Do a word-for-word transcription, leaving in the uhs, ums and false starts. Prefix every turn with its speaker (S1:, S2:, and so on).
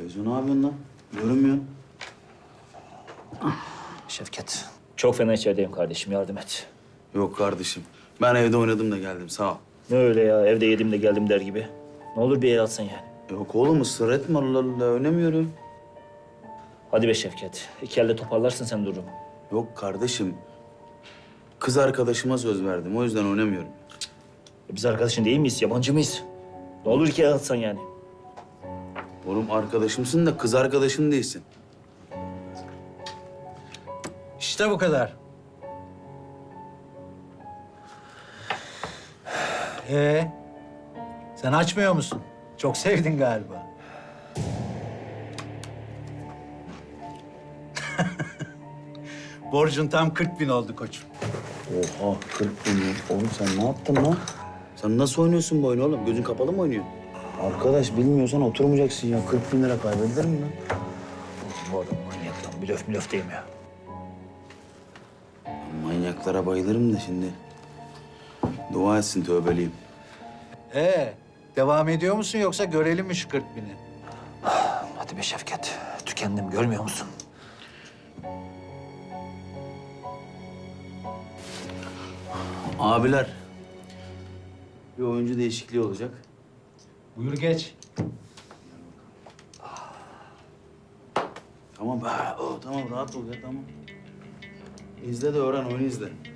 S1: Feyzo ne yapıyorsun lan? Görünmüyorsun.
S2: Şevket, çok fena içerideyim kardeşim, yardım et.
S1: Yok kardeşim. Ben evde oynadım da geldim sağ ol.
S2: Ne öyle ya, evde yedim de geldim der gibi. Ne olur bir el atsan yani.
S1: Yok oğlum ısrar etme Allah Allah oynamıyorum.
S2: Hadi be Şevket, iki elde toparlarsın sen durumu.
S1: Yok kardeşim. Kız arkadaşıma söz verdim o yüzden oynamıyorum.
S2: E biz arkadaşın değil miyiz, yabancı mıyız? Ne olur iki el atsan yani.
S1: Oğlum arkadaşımsın da kız arkadaşım değilsin.
S3: İşte bu kadar. Ee, sen açmıyor musun? Çok sevdin galiba. Borcun tam kırk bin oldu koçum.
S1: Oha kırk bin mi? Oğlum sen ne yaptın lan? Sen nasıl oynuyorsun bu oyunu oğlum? Gözün kapalı mı oynuyorsun? Arkadaş bilmiyorsan oturmayacaksın ya. kırk bin lira kaybedilir mi lan?
S2: Bu adam manyak lan, blöf blöf değil mi ya?
S1: Manyaklara bayılırım da şimdi. Dua etsin tövbeliyim.
S3: Ee, devam ediyor musun yoksa görelim mi şu kırk bini?
S2: Hadi be Şevket, tükendim görmüyor musun?
S1: Abiler. Bir oyuncu değişikliği olacak.
S3: Buyur geç.
S1: Tamam be. O, tamam rahat ol ya tamam. İzle de öğren oyunu izle.